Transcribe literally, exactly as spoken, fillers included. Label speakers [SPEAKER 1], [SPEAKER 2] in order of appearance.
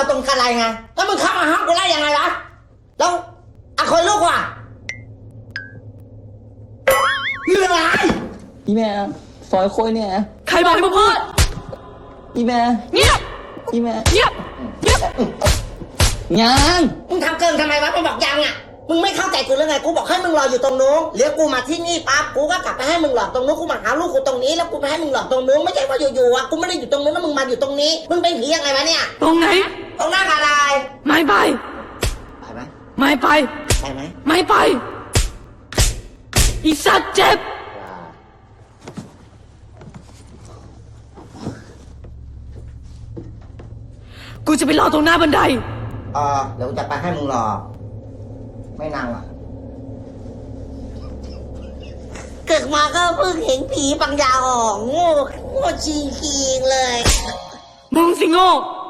[SPEAKER 1] ตรงกันไรไงแล้วมึงเข้ามาห้ามกูได้ยังไงวะแล้วอะคนลูกว่ะนี่อะไร
[SPEAKER 2] อีแม่ซอยโคยเนี่ย
[SPEAKER 3] ใครบอกให้มึงพูด
[SPEAKER 2] อีแม่
[SPEAKER 3] เงียบ
[SPEAKER 2] อีแม่
[SPEAKER 3] เงียบเงียบ
[SPEAKER 2] ยัง
[SPEAKER 1] มึงทำเกินทำไมวะมึงบอกยังอ่ะมึงไม่เข้าใจกูหรือไงกูบอกให้มึงรออยู่ตรงนู้นเดี๋ยวกูมาที่นี่ปั๊บกูก็กลับไปให้มึงหลอกตรงนู้นกูมาหาลูกกูตรงนี้แล้วกูไปให้มึงหลอกตรงนู้นไม่ใช่ว่าอยู่ๆอ่ะกูไม่ได้อยู่ตรงนู้นแล้วมึงมาอยู่ตรงนี้มึงเป็นผียังไงวะเนี่ย
[SPEAKER 3] ตรงไหน
[SPEAKER 1] ตรงหน้ากอะไร
[SPEAKER 3] ไม่ไป
[SPEAKER 1] ไปไหม
[SPEAKER 3] ไม่ไป
[SPEAKER 1] ไปไหม
[SPEAKER 3] ไม่ไป อีสัตว์เจ็บ กูจะไปรอตรงหน้าบันได
[SPEAKER 1] เออเดี๋ยวกูจะไปให้มึงหลอกไม่นางอ่ะเกิดมาก็เพิ่งเห็นผีปังยาออกโง่โง่จริงๆเลย
[SPEAKER 3] มึงสิโง่